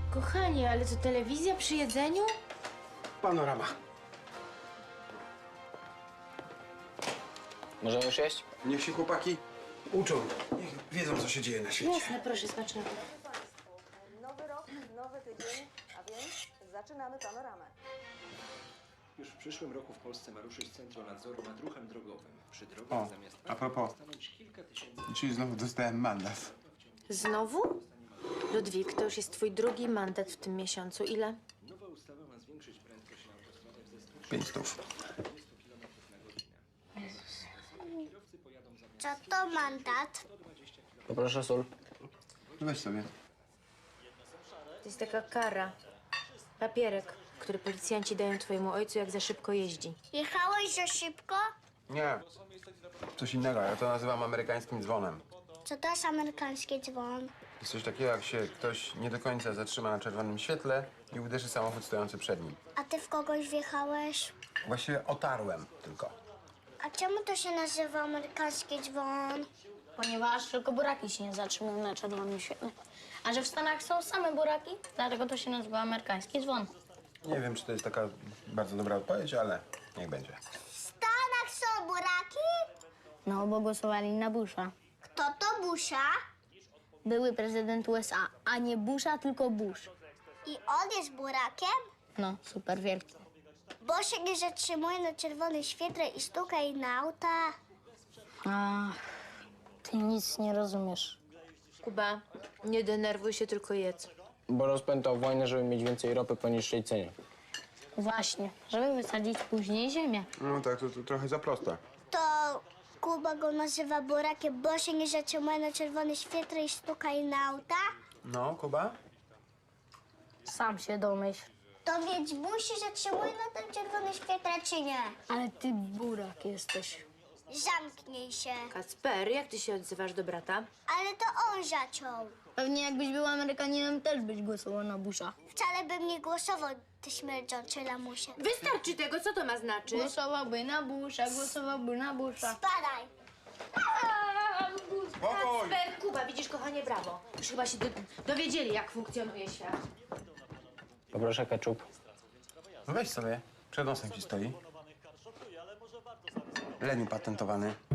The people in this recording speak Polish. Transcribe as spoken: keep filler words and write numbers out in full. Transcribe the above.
Kochanie, ale to telewizja przy jedzeniu? Panorama. Możemy już jeść? Niech się chłopaki uczą. Niech wiedzą, co się dzieje na świecie. Jasne, proszę, smacznego. Nowy rok, nowy tydzień, a więc zaczynamy panoramę. Już w przyszłym roku w Polsce ma ruszyć Centrum Nadzoru nad Ruchem Drogowym. Przy drogach O, zamiast a propos. stanąć kilka tysięcy. Czyli znowu dostałem mandat. Znowu? Ludwik, to już jest twój drugi mandat w tym miesiącu. Ile? Nowa ustawa ma zwiększyć prędkość na autostradach ze stu Pięć stów. kilometrów na godzinę. Kierowcy pojadą zamiast Co to mandat? Poproszę sól. Weź sobie. To jest taka kara. Papierek, który policjanci dają twojemu ojcu, jak za szybko jeździ. Jechałeś za szybko? Nie. Coś innego, ja to nazywam amerykańskim dzwonem. Co to jest amerykański dzwon? Jest coś takiego, jak się ktoś nie do końca zatrzyma na czerwonym świetle i uderzy samochód stojący przed nim. A ty w kogoś wjechałeś? Właściwie otarłem tylko. A czemu to się nazywa amerykański dzwon? Ponieważ tylko buraki się nie zatrzymują na czerwonym świetle. A że w Stanach są same buraki, dlatego to się nazywa amerykański dzwon. Nie wiem, czy to jest taka bardzo dobra odpowiedź, ale niech będzie. W Stanach są buraki? No, bo głosowali na Busha. Kto to Busha? Były prezydent U S A, a nie Busha, tylko Bush. I on jest burakiem? No, super wielki. Bo się nie zatrzymuje na czerwonym świetle i stuka jej na auta. Ach, ty nic nie rozumiesz. Kuba, nie denerwuj się, tylko jedz. Bo rozpętał wojnę, żeby mieć więcej ropy po niższej cenie. Właśnie, żeby wysadzić później ziemię. No tak, to, to trochę za proste. To Kuba go nazywa burakiem, bo się nie zatrzymuje na czerwonym świetle i stuka jej na auta? No, Kuba? Sam się domyśl. To więc Bush się zatrzymuje na tym czerwonym świetle, czy nie? Ale ty burak jesteś. Zamknij się. Kacper, jak ty się odzywasz do brata? Ale to on zaczął. Pewnie jakbyś był Amerykaninem, też byś głosował na Busha. Wcale bym nie głosował, ty śmierdzący lamusie. Wystarczy tego, co to ma znaczyć? Głosowałby na Busha, głosowałby na Busha. Spadaj. Spokój! Kacper, Kuba, widzisz, kochanie, brawo. Już chyba się do, dowiedzieli, jak funkcjonuje świat. Poproszę ketchup. No weź sobie. Przed nosem ci stoi. Leniu patentowany.